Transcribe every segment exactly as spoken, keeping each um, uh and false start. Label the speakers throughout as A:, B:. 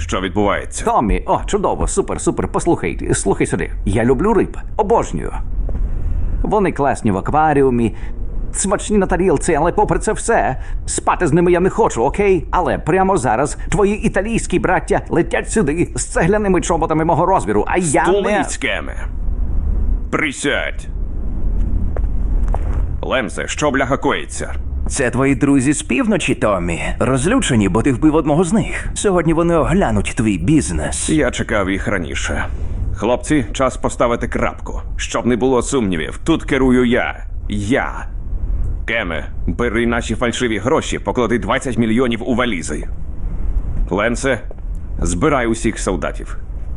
A: Що відбувається?
B: Томмі, о, чудово, супер, супер. Послухай, слухай сюди. Я люблю риб. Обожнюю. Вони класні в акваріумі, смачні на тарілці, але попри це все, спати з ними я не хочу, окей? Але прямо зараз твої італійські браття летять сюди з цегляними чоботами мого розміру, а я не...
A: Стулиць, Кеме. Присядь. Ленсе, що бляха коїться?
C: Це твої друзі з півночі, Томмі. Розлючені, бо ти вбив одного з них. Сьогодні вони оглянуть твій бізнес.
A: Я чекав їх раніше. Хлопці, час поставити крапку. Щоб не було сумнівів, тут керую я. Я. Кеме, бери наші фальшиві гроші, поклади двадцять мільйонів у валізи. Ленсе, збирай усіх солдатів.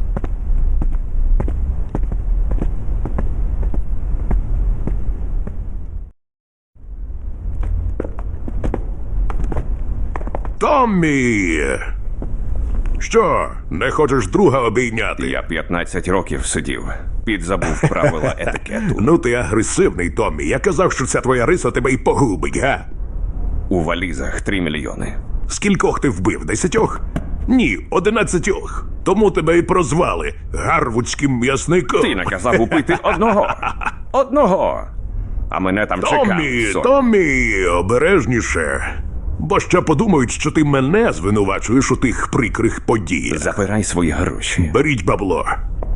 D: Томмі! Що, не хочеш друга обійняти?
A: Я п'ятнадцять років сидів. Підзабув правила етикету.
D: Ну ти агресивний, Томмі. Я казав, що ця твоя риса тебе й погубить, га?
A: У валізах три мільйони.
D: Скількох ти вбив? Десятьох? Ні, одинадцятьох. Тому тебе і прозвали гарвудським м'ясником.
A: Ти наказав убити одного. Одного. А мене там чекав.
D: Томмі,
A: сорок.
D: Томмі, обережніше. Бо ще подумають, що ти мене звинувачуєш у тих прикрих подіях.
A: Забирай свої гроші.
D: Беріть бабло.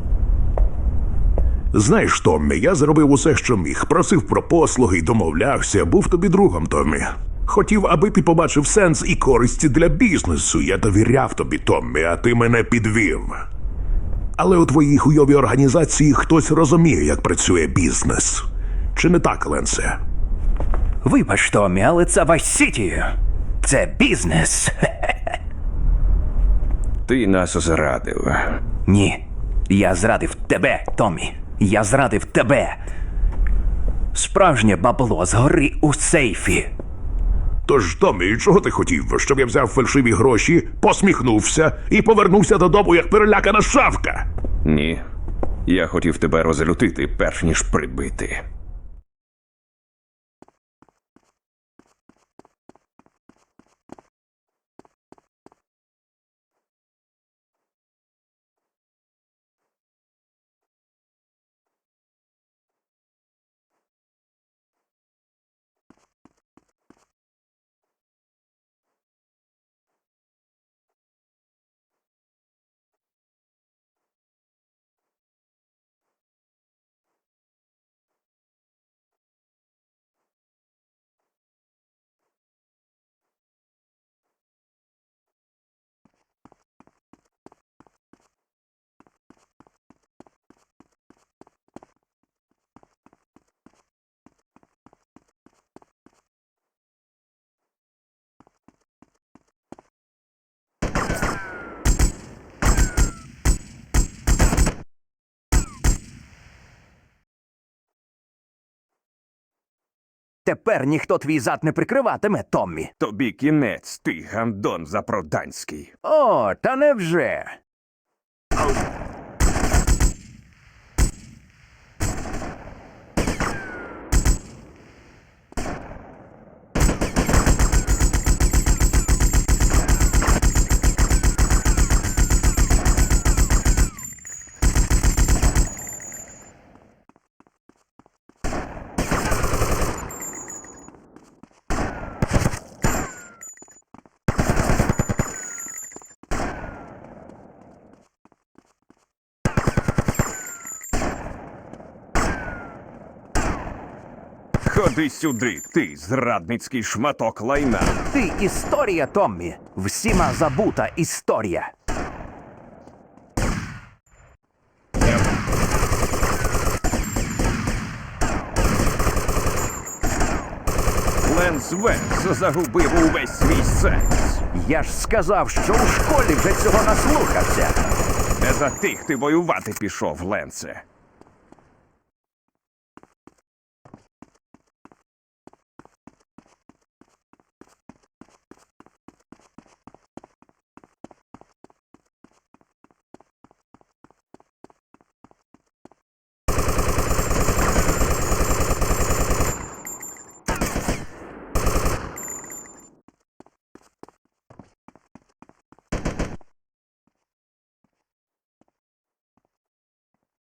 D: Знаєш, Томмі, я зробив усе, що міг. Просив про послуги й домовлявся. Був тобі другом, Томмі. Хотів, аби ти побачив сенс і користь для бізнесу. Я довіряв тобі, Томмі, а ти мене підвів. Але у твоїй хуйовій організації хтось розуміє, як працює бізнес. Чи не так, Ленсе?
C: Вибач, Томмі, але це Вайс-Сіті. Це бізнес.
A: Ти нас зрадив.
C: Ні, я зрадив тебе, Томмі. Я зрадив тебе. Справжнє бабло згори у сейфі.
D: Тож, Томмі, чого ти хотів? Щоб я взяв фальшиві гроші, посміхнувся і повернувся додому, як перелякана шавка?
A: Ні. Я хотів тебе розлютити, перш ніж прибити.
C: Тепер ніхто твій зад не прикриватиме, Томмі.
A: Тобі кінець, ти гандон запроданський.
C: О, та невже?
A: Ходи сюди, ти зрадницький шматок лайна.
C: Ти історія, Томмі. Всіма забута історія.
A: Ленс Венс загубив увесь свій сенс.
C: Я ж сказав, що у школі вже цього наслухався.
A: Не за тих ти воювати пішов, Ленсе.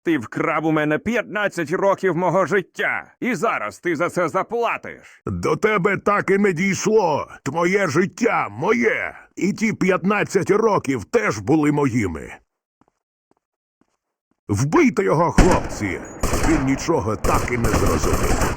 A: Ти вкрав у мене п'ятнадцять років мого життя. І зараз ти за це заплатиш.
D: До тебе так і не дійшло. Твоє життя моє. І ті п'ятнадцять років теж були моїми. Вбийте його, хлопці! Він нічого так і не зрозумів.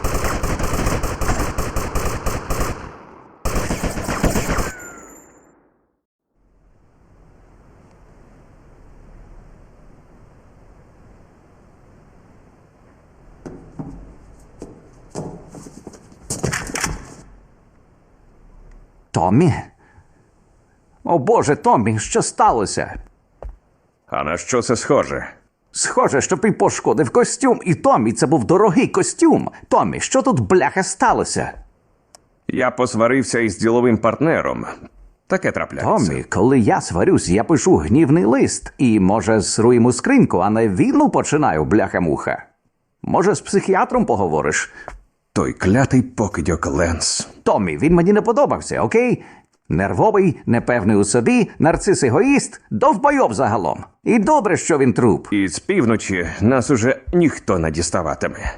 B: Томмі? О Боже, Томмі, що сталося?
A: А на що це схоже?
B: Схоже, що ти пошкодив костюм, і Томмі, це був дорогий костюм. Томмі, що тут бляха сталося?
A: Я посварився із діловим партнером. Таке трапляється.
B: Томмі, коли я сварюсь, я пишу гнівний лист. І, може, сру йому скриньку, а не війну починаю, бляха-муха. Може, з психіатром поговориш?
A: Той клятий покидьок Ленс.
B: Томмі, він мені не подобався, окей? Нервовий, непевний у собі, нарцис-егоїст, довбойоб загалом. І добре, що він труп.
A: І з півночі нас уже ніхто не діставатиме.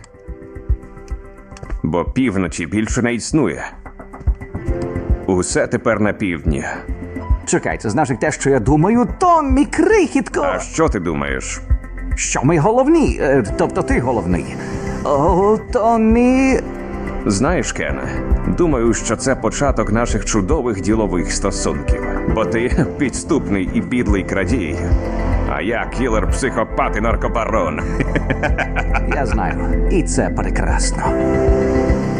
A: Бо півночі більше не існує. Усе тепер на півдні.
B: Чекай, це значить те, що я думаю, Томмі, крихітко!
A: А що ти думаєш?
B: Що ми головні? Е, тобто ти головний. О, Томмі...
A: Знаєш, Кене, думаю, що це початок наших чудових ділових стосунків. Бо ти підступний і підлий крадій. А я кілер, психопат і наркобарон.
B: Я знаю. І це прекрасно.